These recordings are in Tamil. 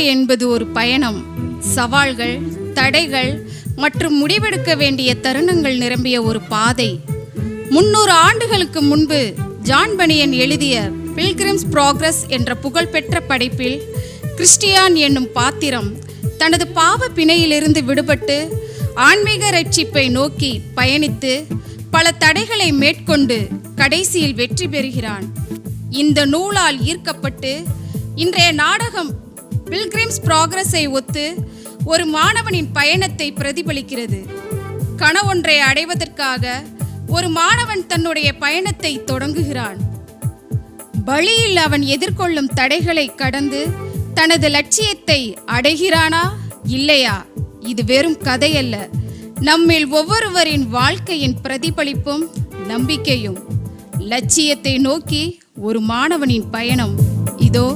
என்பது ஒரு பயணம். சவால்கள், தடைகள் மற்றும் முடிவெடுக்க வேண்டிய தருணங்கள் நிரம்பிய ஒரு பாதை. 300 ஆண்டுகளுக்கு முன்பு ஜான் பனியன் எழுதிய பில்கிரிம்ஸ் ப்ராக்ரஸ் என்ற புகழ்பெற்ற படைப்பில் கிறிஸ்டியான் என்னும் பாத்திரம் தனது பாவ பிணையிலிருந்து விடுபட்டு ஆன்மீக ரட்சிப்பை நோக்கி பயணித்து பல தடைகளை மேற்கொண்டு கடைசியில் வெற்றி பெறுகிறான். இந்த நூலால் ஈர்க்கப்பட்டு இன்றைய நாடகம் பில்கிரிம்ஸ் ப்ராக்ரஸை ஒத்து ஒரு மாணவனின் பயணத்தை பிரதிபலிக்கிறது. கனவொன்றை அடைவதற்காக ஒரு மாணவன் தன்னுடைய பயணத்தை தொடங்குகிறான். வழியில் அவன் எதிர்கொள்ளும் தடைகளை கடந்து தனது லட்சியத்தை அடைகிறானா இல்லையா? இது வெறும் கதையல்ல, நம்மில் ஒவ்வொருவரின் வாழ்க்கையின் பிரதிபலிப்பும் நம்பிக்கையும். லட்சியத்தை நோக்கி ஒரு மாணவனின் பயணம் இதோ.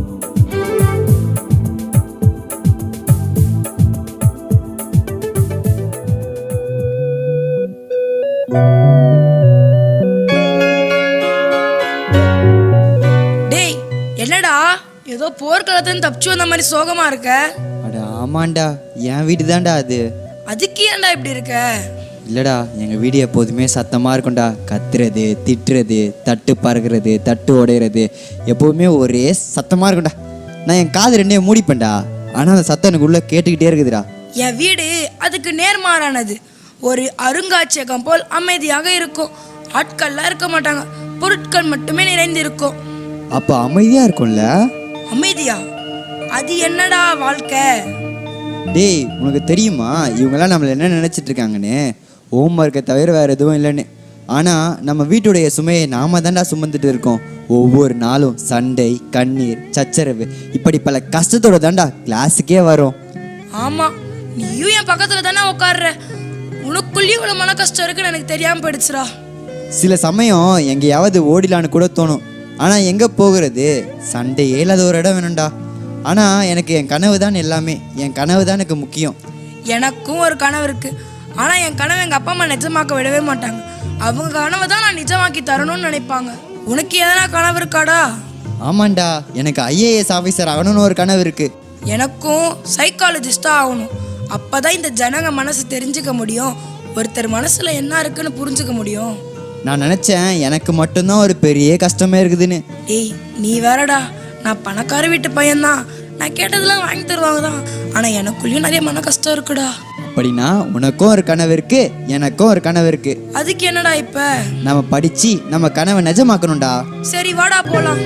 டேய், என்னடா ஏதோ போர்க்களத்துல தப்பிச்சு வந்த மாதிரி சோகமா இருக்க? அட ஆமாண்டா, என் வீடு தான்டா அது. அதுக்கு ஏன்டா இப்படி இருக்க? இல்லடா, எங்கள் வீடு எப்போதுமே சத்தமாக இருக்கும்டா. கத்துறது, திட்டுறது, தட்டு பறக்கிறது, தட்டு உடையிறது, எப்போதுமே ஒரே சத்தமாக இருக்கும்டா. நான் என் காது ரெண்டே மூடிப்பேன்டா, ஆனால் அந்த சத்தம் எனக்கு உள்ளே கேட்டுக்கிட்டே இருக்குதுடா. என் வீடு அதுக்கு நேர்மாறானது. ஒரு அருங்காட்சியகம் போல் அமைதியாக இருக்கும். ஆட்கள்லாம் இருக்க மாட்டாங்க, பொருட்கள் மட்டுமே நிறைந்து இருக்கும். அப்போ அமைதியாக இருக்கும்ல? அமைதியா? அது என்னடா வாழ்க்கை? டேய், உனக்கு தெரியுமா இவங்கெல்லாம் நம்மளை என்ன நினச்சிட்டு இருக்காங்கன்னு? ஹோம்ஒர்க்கை தவிர வேறு எதுவும் இல்லைன்னு. ஆனால் நம்ம வீட்டுடைய சுமையை நாம தான்டா சுமந்துட்டு இருக்கோம். ஒவ்வொரு நாளும் சண்டை, கண்ணீர், சச்சரவு, இப்படி பல கஷ்டத்தோட தான்டா கிளாஸுக்கே வரும். ஆமா, நீயும் என் பக்கத்துல தானே உட்கார்ற. உனக்குள்ளேயும் இவ்வளவு மன கஷ்டம் இருக்குன்னு எனக்கு தெரியாம போயிடுச்சுடா. சில சமயம் எங்கேயாவது ஓடிலான்னு கூட தோணும். ஆனால் எங்கே போகிறது? சண்டையே இல்லாத ஒரு இடம் வேணும்டா. ஆனால் எனக்கு என் கனவு தான் எல்லாமே. என் கனவு தான் எனக்கு முக்கியம். எனக்கும் ஒரு கனவு இருக்கு. ஆனால் என் கனவு எங்கள் அப்பா அம்மா நிஜமாக்க விடவே மாட்டாங்க. அவங்க கனவை தான் நான் நிஜமாக்கி தரணும்னு நினைப்பாங்க. உனக்கு எதனா கனவு இருக்காடா? ஆமாண்டா, எனக்கு IAS ஆஃபீஸர் ஆகணும்னு ஒரு கனவு இருக்குது. எனக்கும் சைக்காலஜிஸ்டாக ஆகணும். அப்போ தான் இந்த ஜனங்க மனசு தெரிஞ்சுக்க முடியும், ஒருத்தர் மனசில் என்ன இருக்குன்னு புரிஞ்சுக்க முடியும். நான் நினச்சேன் எனக்கு மட்டும்தான் ஒரு பெரிய கஷ்டமே இருக்குதுன்னு. ஏய், நீ வேறடா, நான் பணக்கார வீட்டு பையன்தான். நான் கேட்டதெல்லாம் வாங்கி தருவாங்க தான். ஆனால் எனக்குள்ளேயும் நிறைய மன கஷ்டம் இருக்குடா. அப்படின்னா உனக்கும் ஒரு கனவு இருக்கு, எனக்கும் ஒரு கனவு இருக்கு. அதுக்கு என்னடா இப்ப? நம்ம படிச்சு நம்ம கனவை நிஜமாக்கணும்டா. சரி வாடா போலாம்.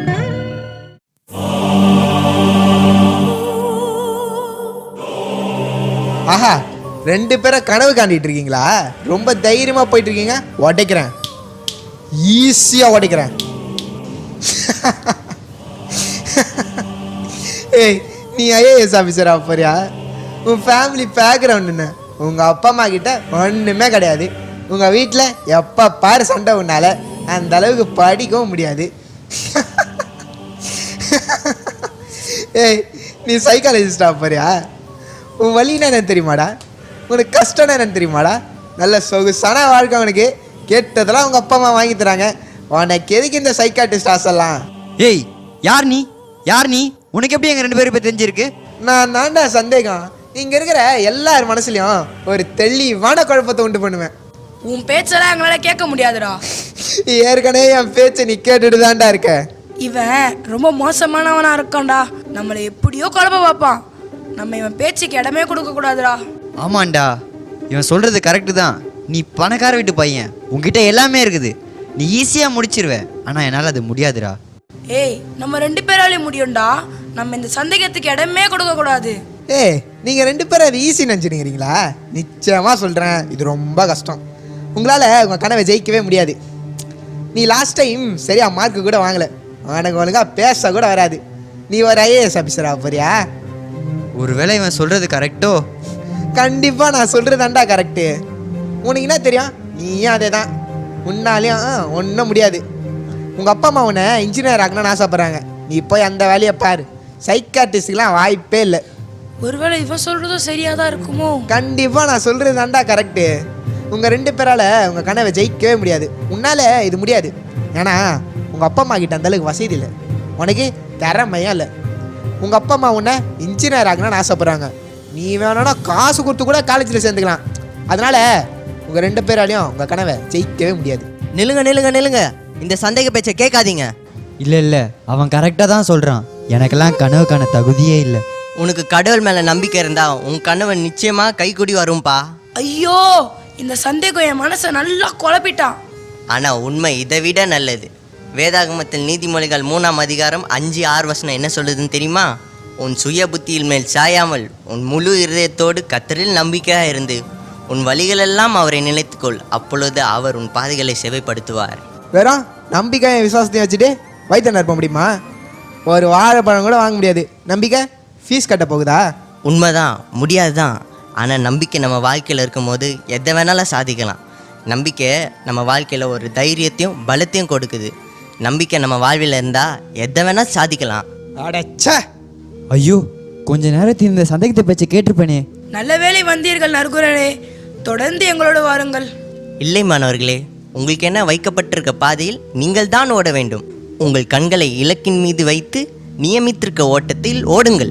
ஆஹா, 2 பேரை கனவு காண்டிட்டு இருக்கீங்களா? ரொம்ப தைரியமா போயிட்டு இருக்கீங்க. உடைக்கிறேன், ஈஸியா உடைக்கிறேன். ஏய், நீ IAS ஆஃபீஸர் ஆக போறியா? உன் ஃபேமிலி பேக்ரவுண்ட் என்ன? உங்கள் அப்பா அம்மா கிட்ட ஒன்றுமே கிடையாது. உங்கள் வீட்டில் எப்போ பாரு சண்டை உன்னால அந்த அளவுக்கு படிக்கவும் முடியாது. ஏய், நீ சைக்காலஜிஸ்ட் ஆக போறியா? உன் வலின்னா என்னன்னு தெரியுமாடா? உனக்கு கஷ்டம்னா என்னன்னு தெரியுமாடா? நல்ல சொகுசான வாழ்க்கை உனக்கு. கேட்டதெல்லாம் உங்கள் அப்பா அம்மா வாங்கி தராங்க. உனக்கு எதுக்கு இந்த சைக்காட்டிஸ்ட் ஆசைலாம்? ஏய், யார் நீ? யார் நீ? உனக்கு எப்படி எங்கள் 2 பேரும் இப்போ தெரிஞ்சிருக்கு? நான் தாண்டா சந்தேகம். இங்கே இருக்கிற எல்லார் மனசுலையும் ஒரு தெளிவான குழப்பத்தை உண்டு பண்ணுவேன். உன் பேச்செல்லாம் எங்களால் கேட்க முடியாதுடா. ஏற்கனவே என் பேச்சை நீ கேட்டுட்டு தான்டா இருக்க. இவன் ரொம்ப மோசமானவனா இருக்கான்டா. நம்மளை எப்படியோ குழப்ப பார்ப்பான். நம்ம இவன் பேச்சுக்கு இடமே கொடுக்க கூடாதுடா. ஆமாண்டா, இவன் சொல்கிறது கரெக்டு தான். நீ பணக்கார வீட்டு பையன், உங்ககிட்ட எல்லாமே இருக்குது. நீ ஈஸியாக முடிச்சிருவேன். ஆனால் என்னால் அது முடியாதுடா. ஏய், நம்ம 2 பேராலையும் முடியும்டா. நம்ம இந்த சந்தேகத்துக்கு இடமே கொடுக்க கூடாது. ஏய், நீங்கள் 2 பேரும் அது ஈஸி நினச்சிருக்கிறீங்களா? நிச்சயமாக சொல்கிறேன், இது ரொம்ப கஷ்டம். உங்களால் உங்கள் கனவை ஜெயிக்கவே முடியாது. நீ லாஸ்ட் டைம் சரியாக மார்க்கு கூட வாங்கலை. உனக்கு ஒழுங்காக பேச கூட வராது. நீ ஒரு IAS ஆஃபீஸர் ஆக போறியா? ஒருவேளை இவன் சொல்கிறது கரெக்டோ? கண்டிப்பாக நான் சொல்கிறதாண்டா கரெக்டு. உனக்கு என்ன தெரியும்? நீயும் அதே தான். உன்னாலையும் ஒன்றும் முடியாது. உங்கள் அப்பா அம்மா உன்னை இன்ஜினியர் ஆகணும்னு ஆசைப்பட்றாங்க. நீ போய் அந்த வேலையை பாரு. சைக்காட்டிஸ்டுக்கெலாம் வாய்ப்பே இல்லை. ஒருவேளை இவன் சொல்கிறதும் சரியாக தான் இருக்குமோ? கண்டிப்பாக நான் சொல்கிறது தாண்டா கரெக்டு. உங்கள் 2 பேரால் உங்கள் கனவை ஜெயிக்கவே முடியாது. உன்னால் இது முடியாது. ஏன்னா உங்கள் அப்பா அம்மா கிட்ட அந்தளவுக்கு வசதி இல்லை. உனக்கு திறமையும் இல்லை. உங்கள் அப்பா அம்மா உன்னை இன்ஜினியர் ஆகணும்னு ஆசைப்பட்றாங்க. நீ வேணும்னா காசு கொடுத்து கூட காலேஜில் சேர்ந்துக்கலாம். அதனால் உங்கள் 2 பேராலையும் உங்கள் கனவை ஜெயிக்கவே முடியாது. நில்லுங்க. இந்த சந்தேக பேச்சை கேட்காதீங்க. இல்லை அவன் கரெக்டாக தான் சொல்கிறான். எனக்கெல்லாம் கனவுக்கான தகுதியே இல்லை. உனக்கு கடவுள் மேலே நம்பிக்கை இருந்தா உன் கனவு நிச்சயமாக கைக்கூடி வரும்பா. ஐயோ, இந்த சந்தேகம் என் மனசை நல்லா குழப்பிட்டான். ஆனால் உண்மை இதை விட நல்லது. வேதாகமத்தில் நீதிமொழிகள் 3ஆம் அதிகாரம் 5-6 வசனம் என்ன சொல்லுதுன்னு தெரியுமா? உன் சுய புத்தியில் மேல் சாயாமல் உன் முழு இருதயத்தோடு கர்த்தரில் நம்பிக்கையாக இருந்து உன் வழிகளெல்லாம் அவரை நினைத்துக்கொள், அப்பொழுது அவர் உன் பாதைகளை செவைப்படுத்துவார். வெறும் நம்பிக்கையை விசுவாசத்தையும் வச்சுட்டு வயிற்று நிரப்ப முடியுமா? ஒரு வாழைப்பழம் கூட வாங்க முடியாது. நம்பிக்கை ஃபீஸ் கட்ட போகுதா? உண்மைதான், முடியாது தான். ஆனால் நம்பிக்கை நம்ம வாழ்க்கையில் இருக்கும்போது எதை வேணாலும் சாதிக்கலாம். நம்பிக்கை நம்ம வாழ்க்கையில் ஒரு தைரியத்தையும் பலத்தையும் கொடுக்குது. நம்பிக்கை நம்ம வாழ்வில் இருந்தால் எதை வேணால் சாதிக்கலாம். அடச்சே, ஐயோ, கொஞ்ச நேரத்தில் இந்த சந்தேகத்தை பேச்சை கேட்டிருப்பேனே. நல்ல வேளை வந்தீர்கள் நற்குரலே. தொடர்ந்து எங்களோடு வாருங்கள். இல்லை மாணவர்களே, உங்களுக்கு என்ன வைக்கப்பட்டிருக்க பாதையில் நீங்கள் தான் ஓட வேண்டும். உங்கள் கண்களை இலக்கின் மீது வைத்து நியமித்திருக்க ஓட்டத்தில் ஓடுங்கள்.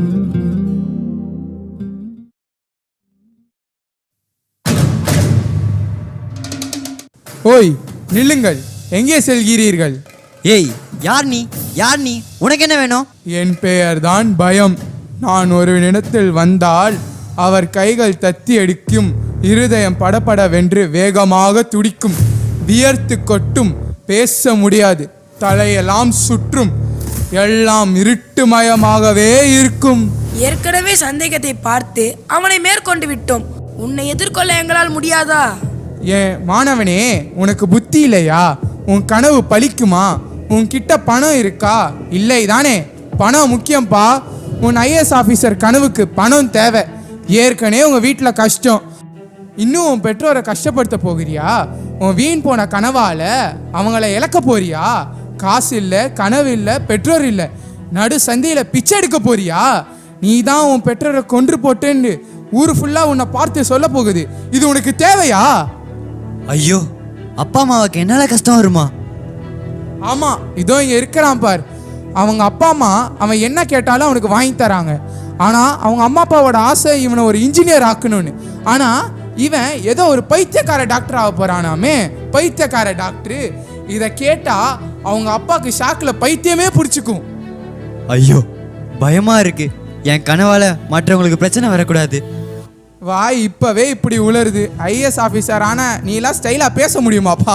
ஓய், நில்லுங்கள். எங்கே செல்கிறீர்கள்? ஏய், யார் நீ? உனக்கு என்ன வேணும்? என் பெயர்தான் பயம். நான் ஒரு இடத்தில் வந்தால் அவர் கைகள் தத்தி அடிக்கும், இருதயம் படபடவென்று வேகமாக துடிக்கும், வியர்த்து கொட்டும், பேச முடியாது, தலையெல்லாம் சுற்றும், எல்லாம் இருட்டுமயமாகவே இருக்கும். ஏற்கனவே சந்தேகத்தை பார்த்து அவனை மேற்கொண்டு விட்டோம். உன்னை எதிர்கொள்ள எங்களால் முடியாதா? ஏன் மாணவனே, உனக்கு புத்தி இல்லையா? உன் கனவு பலிக்குமா? உன்கிட்ட பணம் இருக்கா? இல்லை தானே? பணம் முக்கியம்ப்பா. உன் ஐஏஎஸ் ஆஃபீஸர் கனவுக்கு பணம் தேவை. ஏற்கனவே உங்கள் வீட்டில் கஷ்டம், இன்னும் உன் பெற்றோரை கஷ்டப்படுத்த போகிறியா? உன் வீண் போன கனவால் அவங்கள இழக்க போறியா? காசு இல்லை, கனவு இல்லை, பெற்றோர் இல்லை, நடு சந்தையில் பிச்சை எடுக்க போறியா? நீ தான் உன் பெற்றோரை கொன்று போட்டேன்னு ஊர் ஃபுல்லாக உன்னை பார்த்து சொல்ல போகுது. இது உனக்கு தேவையா? ஐயோ, அப்பா அம்மாவுக்கு என்னால் கஷ்டம் வருமா? ஆமாம், இதோ இங்கே இருக்கிறான் பார். அவங்க அப்பா அம்மா அவன் என்ன கேட்டாலும் அவனுக்கு வாங்கி தராங்க. ஆனால் அவங்க அம்மா அப்பாவோட ஆசை இவனை ஒரு இன்ஜினியர் ஆக்கணும்னு. ஆனால் இவன் ஏதோ ஒரு பைத்தியக்கார டாக்டர் ஆக போகிறானாமே. பைத்தியக்கார டாக்டரு. இதை கேட்டால் அவங்க அப்பாவுக்கு ஷாக்கில் பைத்தியமே பிடிச்சிக்கும். ஐயோ, பயமா இருக்கு. என் கனவால் மற்றவங்களுக்கு பிரச்சனை வரக்கூடாது. வாய் இப்பவே இப்படி உளருது. ஐஏஎஸ் ஆஃபீஸர் ஆனா நீ எல்லாம் ஸ்டைலா பேச முடியுமாப்பா?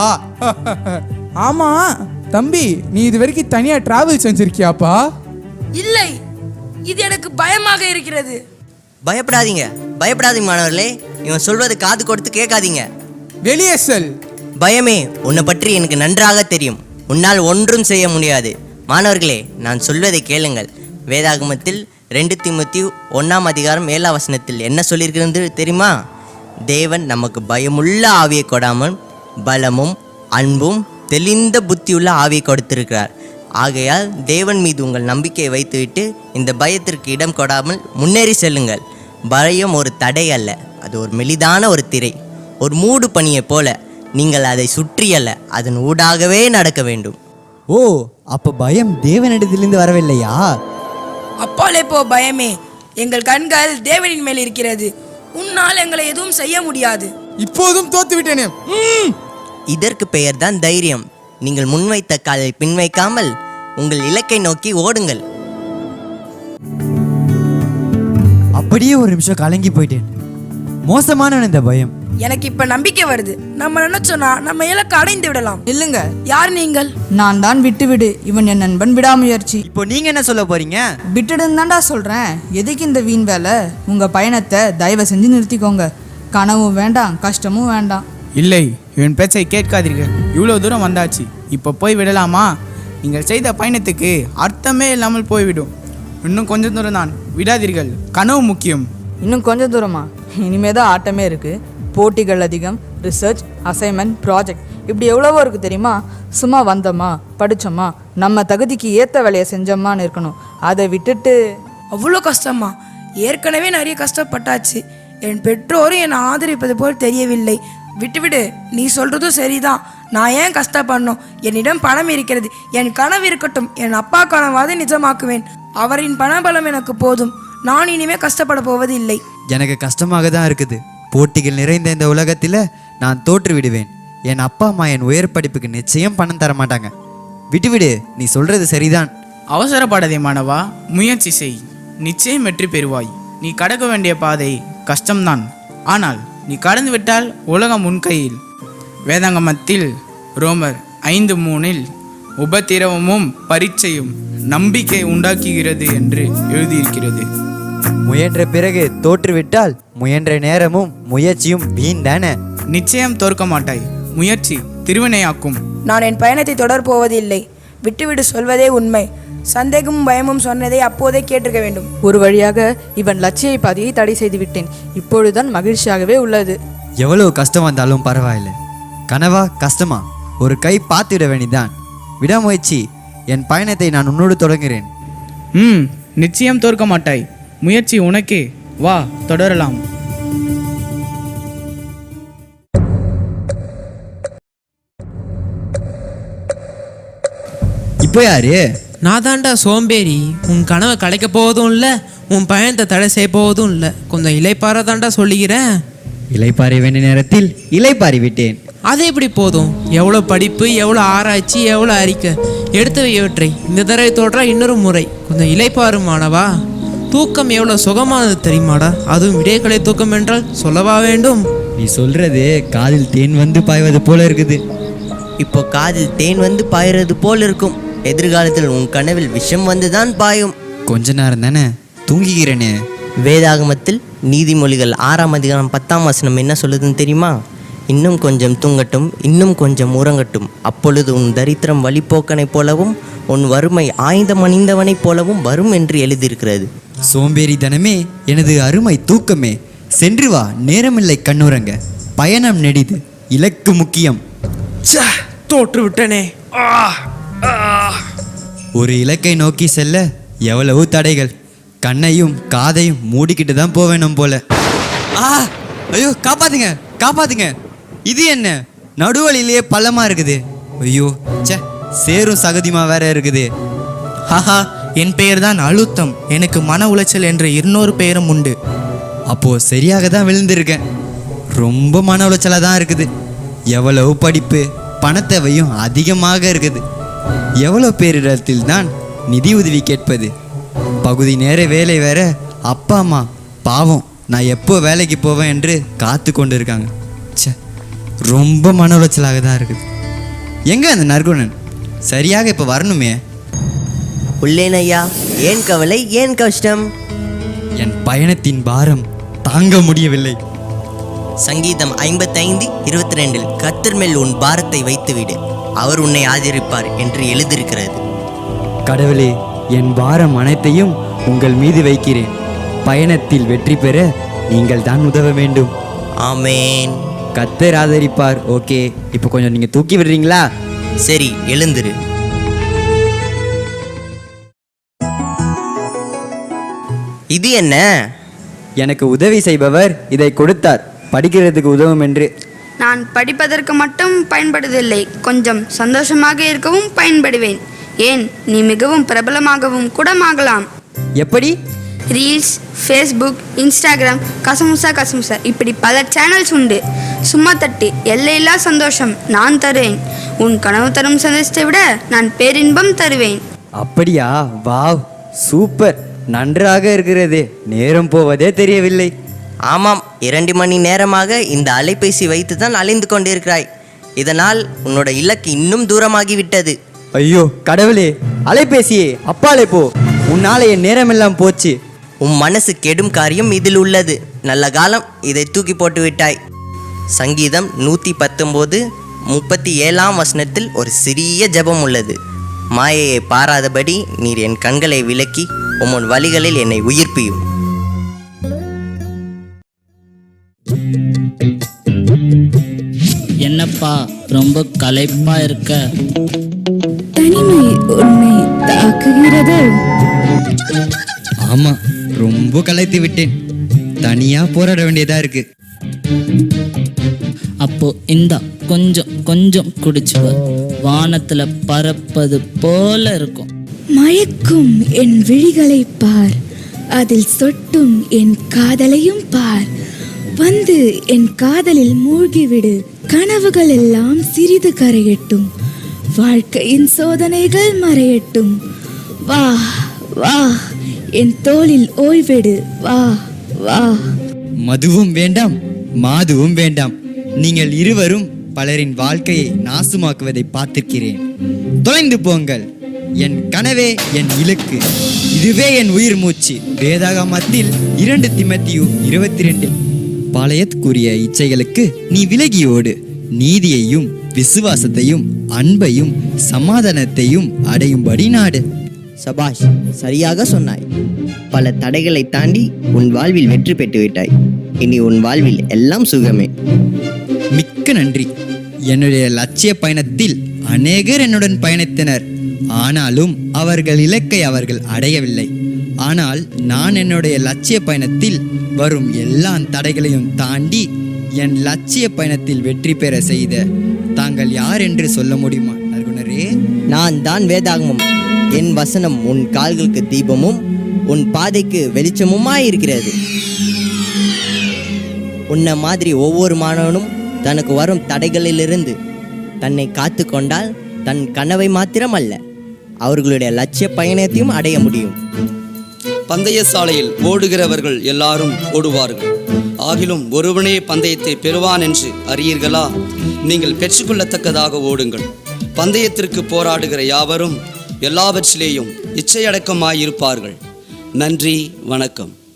ஆமா தம்பி, நீ இது வரைக்கும் தனியா டிராவல் செஞ்சிருக்கியாப்பா? இல்லை, இது எனக்கு பயமாக இருக்கிறது. பயப்படாதீங்க மாணவர்களே. இவன் சொல்வது காது கொடுத்து கேட்காதீங்க. வெளியே செல். பயமே, உன்னை பற்றி எனக்கு நன்றாக தெரியும். உன்னால் ஒன்றும் செய்ய முடியாது. மாணவர்களே, நான் சொல்வதை கேளுங்கள். வேதாகமத்தில் 2 தீமோத்தேயு 1ஆம் அதிகாரம் 7ஆம் வசனத்தில் என்ன சொல்லியிருக்கிறது தெரியுமா? தேவன் நமக்கு பயமுள்ள ஆவியை கொடாமல் பலமும் அன்பும் தெளிந்த புத்தியுள்ள ஆவியை கொடுத்திருக்கிறார். ஆகையால் தேவன் மீது உங்கள் நம்பிக்கையை வைத்துவிட்டு இந்த பயத்திற்கு இடம் கொடாமல் முன்னேறி செல்லுங்கள். பயம் ஒரு தடை அல்ல, அது ஒரு மெலிதான ஒரு திரை, ஒரு மூடு பனியைப் போல. நீங்கள் அதை சுற்றியல்ல, அதன் ஊடாகவே நடக்க வேண்டும். ஓ, அப்போ பயம் தேவனிடத்திலிருந்து வரவில்லையா? அப்பாலே போ பயமே. எங்கள் கண்கள் தேவனின் மேல் இருக்கிறது. உன்னால் எங்களை எதுவும் செய்ய முடியாது. இப்போதும் தோத்து விட்டேனே. இதற்கு பெயர்தான் தைரியம். நீங்கள் முன்வைத்த காலை பின்வைக்காமல் உங்கள் இலக்கை நோக்கி ஓடுங்கள். அப்படியே ஒரு நிமிஷம் கலங்கி போயிட்டேன். மோசமான இந்த பயம். எனக்கு இப்ப நம்பிக்கை வருது. நம்ம நினைச்சோன்னா நம்ம இலக்கை அடைந்து விடலாம். இல்லைங்க, யார் நீங்கள்? நான் தான் விட்டுவிடு. இவன் என் நண்பன் விடாமுயற்சி. இப்போ நீங்க என்ன சொல்ல போறீங்க? விட்டுடுன்னு தான்டா சொல்றேன். எதுக்கு இந்த வீண் வேலை? உங்க பயணத்தை தயவு செஞ்சு நிறுத்திக்கோங்க. கனவும் வேண்டாம், கஷ்டமும் வேண்டாம். இல்லை, இவன் பேச்சை கேட்காதீர்கள். இவ்வளோ தூரம் வந்தாச்சு, இப்போ போய் விடலாமா? நீங்கள் செய்த பயணத்துக்கு அர்த்தமே இல்லாமல் போய்விடும். இன்னும் கொஞ்சம் தூரம் தான், விடாதீர்கள். கனவு முக்கியம். இன்னும் கொஞ்சம் தூரமா? இனிமே தான் ஆட்டமே இருக்கு. போட்டிகள் அதிகம், ரிசர்ச், அசைன்மெண்ட், ப்ராஜெக்ட், இப்படி எவ்வளவோ இருக்குது தெரியுமா? சும்மா வந்தோமா, படித்தோமா, நம்ம தகுதிக்கு ஏற்ற வேலையை செஞ்சோமான்னு இருக்கணும். அதை விட்டுட்டு அவ்வளோ கஷ்டமா? ஏற்கனவே நிறைய கஷ்டப்பட்டாச்சு. என் பெற்றோரும் என்னை ஆதரிப்பது போல் தெரியவில்லை. விட்டுவிடு. நீ சொல்றதும் சரிதான். நான் ஏன் கஷ்டப்படணும்? என்னிடம் பணம் இருக்கிறது. என் கனவு இருக்கட்டும். என் அப்பா கனவாவது நிஜமாக்குவேன். அவரின் பணபலம் எனக்கு போதும். நான் இனிமே கஷ்டப்பட போவது இல்லை. எனக்கு கஷ்டமாக தான் இருக்குது. போட்டிகள் நிறைந்த இந்த உலகத்தில் நான் தோற்று விடுவேன். என் அப்பா அம்மா என் உயர் படிப்புக்கு நிச்சயம் பணம் தர மாட்டாங்க. விட்டுவிடு, நீ சொல்றது சரிதான். அவசரப்படாதே மாணவா, முயற்சி செய், நிச்சயம் வெற்றி பெறுவாய். நீ கடக்க வேண்டிய பாதை கஷ்டம்தான், ஆனால் நீ கடந்து விட்டால் உலகம் உன் கையில். வேதாங்கமத்தில் ரோமர் 5:3 உபத்திரவமும் பரீட்சையும் நம்பிக்கை உண்டாக்குகிறது என்று எழுதியிருக்கிறது. முயன்ற பிறகு தோற்றுவிட்டால் முயன்ற நேரமும் முயற்சியும் வீண் தானே. நிச்சயம் தோற்க மாட்டாய். முயற்சி திருவினையாக்கும். நான் என் பயணத்தை தொடர் போவதில்லை. விட்டுவிடு, சொல்வதே உண்மை. சந்தேகமும் பயமும் சொன்னதை அப்போதே கேட்டிருக்க வேண்டும். ஒரு வழியாக இவன் லட்சிய பாதையை தடை செய்து விட்டேன். இப்பொழுதுதான் மகிழ்ச்சியாகவே உள்ளது. எவ்வளவு கஷ்டம் வந்தாலும் பரவாயில்லை. கனவா கஷ்டமா ஒரு கை பார்த்துவிட வேண்டிதான். விடாமுயற்சி, என் பயணத்தை நான் உன்னோடு தொடங்குகிறேன். நிச்சயம் தோற்க மாட்டாய். முயற்சி உனக்கே. வா, தொடரலாம். இப்போ யாரு? நான் தாண்டா சோம்பேறி. உன் கனவை கலைக்க போவதும் இல்லை, உன் பயணத்தை தடை செய்ய போவதும் இல்லை. கொஞ்சம் இலைப்பார தாண்டா சொல்லிக்கிறேன். இலைப்பாரி வேண்டிய நேரத்தில் இலைப்பாரி விட்டேன். அது எப்படி போதும்? எவ்வளோ படிப்பு, எவ்வளோ ஆராய்ச்சி, எவ்வளோ அறிக்கை எடுத்து வையவற்றை இந்த தடவை தோற்றா இன்னொரு முறை. கொஞ்சம் இலைப்பாரு மாணவா. தூக்கம் எவ்வளோ சுகமானது தெரியுமாடா? அதுவும் விடையக்கலை தூக்கம் என்றால் சொல்லவா வேண்டும்? நீ சொல்றது காதில் தேன் வந்து பாய்வது போல இருக்குது. இப்போ காதில் தேன் வந்து பாயிறது போல் இருக்கும். எதிர்காலத்தில் உன் கனவில் விஷம் வந்துதான் பாயும். கொஞ்ச நேரம் தானே தூங்கிக்கிறேனே. வேதாகமத்தில் நீதிமொழிகள் 6:10 என்ன சொல்லுதுன்னு தெரியுமா? இன்னும் கொஞ்சம் தூங்கட்டும், இன்னும் கொஞ்சம் உறங்கட்டும், அப்பொழுது உன் தரித்திரம் வழிபோக்கனைப் போலவும் உன் வறுமை ஆயுதம் அணிந்தவனைப் போலவும் வரும் என்று எழுதியிருக்கிறது. சோம்பேறி தனமே, எனது அருமை தூக்கமே, சென்று வா, நேரமில்லை கண்ணுறங்க. பயணம் நெடிது, இலக்கு முக்கியம். தோற்று விட்டனே. ஒரு இலக்கை நோக்கி செல்ல எவ்வளவு தடைகள். கண்ணையும் காதையும் மூடிக்கிட்டு தான் போவேணும் போல. ஐயோ, காப்பாத்துங்க காப்பாத்துங்க. இது என்ன, நடுவழியிலேயே பள்ளமா இருக்குது. ஐயோ, சேரும் சகதியுமா வேற இருக்குது. ஹஹா, என் பெயர் தான் அழுத்தம். எனக்கு மன உளைச்சல் என்ற இன்னொரு பெயரும் உண்டு. அப்போ சரியாக தான் விழுந்திருக்கேன். ரொம்ப மன உளைச்சலாக தான் இருக்குது. எவ்வளவு படிப்பு, பணத்தேவையும் அதிகமாக இருக்குது. எவ்வளோ பேரிடத்தில் தான் நிதி உதவி கேட்பது. பகுதி நேர வேலை வேற. அப்பா அம்மா பாவம், நான் எப்போ வேலைக்கு போவேன் என்று காத்து கொண்டு இருக்காங்க. ரொம்ப மன உளைச்சலாக தான் இருக்குது. எங்க அந்த நற்குணன்? சரியாக இப்போ வரணுமே. உள்ளேன் ஐயா. ஏன் கவலை, ஏன் கஷ்டம்? என் பயணத்தின் பாரம் தாங்க முடியவில்லை. சங்கீதம் 55:22 கர்த்தர் மேல் உன் பாரத்தை வைத்துவிடு, அவர் உன்னை ஆதரிப்பார் என்று எழுதியிருக்கிறது. கடவுளே, என் பாரம் அனைத்தையும் உங்கள் மீது வைக்கிறேன். பயணத்தில் வெற்றி பெற நீங்கள் தான் உதவ வேண்டும். ஆமேன். கர்த்தர் ஆதரிப்பார். ஓகே, இப்போ கொஞ்சம் நீங்கள் தூக்கி விடுறீங்களா? சரி, எழுந்திரு. இது என்ன? எனக்கு உதவி செய்பவர் இதை கொடுத்தார், படிக்கிறதுக்கு உதவும் என்று. நான் படிப்பதற்கு மட்டும் பயன்படுவதில்லை, கொஞ்சம் சந்தோஷமாக இருக்கவும் பயன்படுவேன். ஏன், நீ மிகவும் பிரபலமாகவும் கூட ஆகலாம். எப்படி? ரீல்ஸ், ஃபேஸ்புக், இன்ஸ்டாகிராம், கசமுசா இப்படி பல சேனல்ஸ் உண்டு. சும்மா தட்டு, எல்லையில்லா சந்தோஷம் நான் தருவேன். உன் கனவு தரும் சந்தோஷத்தை விட நான் பேரின்பம் தருவேன். அப்படியா? வாவ், சூப்பர், நன்றாக இருக்கிறது. நேரம் போவதே தெரியவில்லை. ஆமாம், 2 மணி நேரமாக இந்த அலைபேசி வைத்து தான் அலைந்து கொண்டிருக்கிறாய். இதனால் உன்னோட இலக்கு இன்னும் தூரமாகிவிட்டது. ஐயோ கடவுளே, அலைபேசியே அப்பாலே போ, உன்னால என் நேரமெல்லாம் போச்சு. உன் மனசு கெடும் காரியம் இதில் உள்ளது. நல்ல காலம் இதை தூக்கி போட்டு விட்டாய். சங்கீதம் 119:37 ஒரு சிறிய ஜெபம் உள்ளது. மாயையை பாராதபடி நீர் என் கண்களை விலக்கி உன் வழிகளில் என்னை உயிர்ப்பியும். என்னப்பா ரொம்ப களைப்பா இருக்க? தனிமை உன்னை தாக்குகிறது. ஆமா, ரொம்ப களைத்து விட்டேன். தனியா போராட வேண்டியதா இருக்கு. அப்போ இந்தா கொஞ்சம் கொஞ்சம் குடிச்சுவ, வானத்துல பறப்பது போல இருக்கும். மயக்கும் என் விழிகளை பார், அதில் சொட்டும் என் காதலையும் பார். வந்து என் காதலில் மூழ்கிவிடு, கனவுகள் எல்லாம் சிறிது கரையட்டும், வாழ்க்கையின் சோதனைகள் மறையட்டும். வா வா என் தோளில் ஓய்வெடு, வா வா. மதுவும் வேண்டாம், மாதுவும் வேண்டாம். நீங்கள் இருவரும் பலரின் வாழ்க்கையை நாசமாக்குவதை பார்த்திருக்கிறேன். தொலைந்து போங்கள். என் கனவே என் இலக்கு, இதுவே என் உயிர் மூச்சு. வேதாகமத்தில் 2 தீமோத்தேயு 22 பாளையத் கூறிய இச்சைகளுக்கு நீ விலகியோடு, நீதியையும் விசுவாசத்தையும் அன்பையும் சமாதானத்தையும் அடையும்படி நாடு. சபாஷ், சரியாக சொன்னாய். பல தடைகளை தாண்டி உன் வாழ்வில் வெற்றி பெற்று விட்டாய். இனி உன் வாழ்வில் எல்லாம் சுகமே. மிக்க நன்றி. என்னுடைய லட்சிய பயணத்தில் அநேகர் என்னுடன் பயணித்தனர். ஆனாலும் அவர்கள் இலக்கை அவர்கள் அடையவில்லை. ஆனால் நான் என்னுடைய லட்சிய பயணத்தில் வரும் எல்லா தடைகளையும் தாண்டி என் லட்சிய பயணத்தில் வெற்றி பெற செய்த தாங்கள் யார் என்று சொல்ல முடியுமா நற்குணரே? நான் தான் வேதாகமம். என் வசனம் உன் கால்களுக்கு தீபமும் உன் பாதைக்கு வெளிச்சமுமாயிருக்கிறது. உன்னை மாதிரி ஒவ்வொரு மாணவனும் தனக்கு வரும் தடைகளிலிருந்து தன்னை காத்து கொண்டால் தன் கனவை மாத்திரம் அல்ல, அவர்களுடைய லட்சிய பயணத்தையும் அடைய முடியும். பந்தய சாலையில் ஓடுகிறவர்கள் எல்லாரும் ஓடுவார்கள், ஆகிலும் ஒருவனே பந்தயத்தை பெறுவான் என்று அறியீர்களா? நீங்கள் பெற்றுக்கொள்ளத்தக்கதாக ஓடுங்கள். பந்தயத்திற்கு போராடுகிற யாவரும் எல்லாவற்றிலேயும் இச்சையடக்கமாயிருப்பார்கள். நன்றி, வணக்கம்.